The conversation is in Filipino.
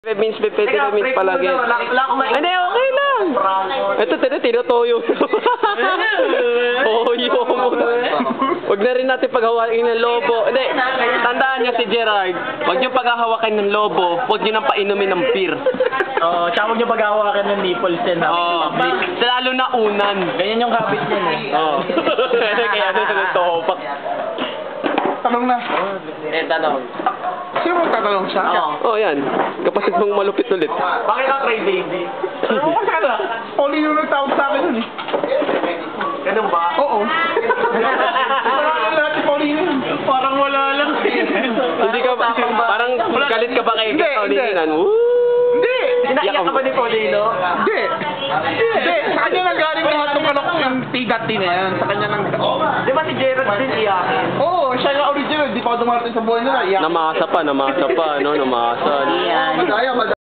Means, means palagi. Hindi, okay lang. Ito, tinutoyo. Toyo mo. Huwag na rin natin paghawakin ng lobo. Hindi, tandaan niyo si Gerard. Huwag niyo paghahawakan ng lobo. Huwag niyo nang painumin ng beer. Oo, tsaka huwag niyo paghawakan ng nipples din. Oo, lalo na unan. Ganyan yung habit niya eh. Oo. Kaya ano, topak. Tanong na. Tanong. Sino mong tatanong siya? Oh, yan. Kapatid mong malupit ulit. Bakit ka cray baby? Ano ka sana? Pauline yung nagtawag sa akin yun eh. Ganun ba? Oo. Parang lahat si Pauline yun. Parang wala lang. Hindi ka ba, parang galit ka ba kay Hindi, Paulinan? Hindi. Inaiyak ka ba ni Paulino? Hindi. Hindi. Sa kanya nanggaling lahat ng manok yung T-Dati na yan. Sa kanya nang... Di ba si Gerald din iyakin? Oo, siya yung original. Di pa ako dumarating sa buhay nila. Namasa pa, no? Namasa. Madaya, madaya.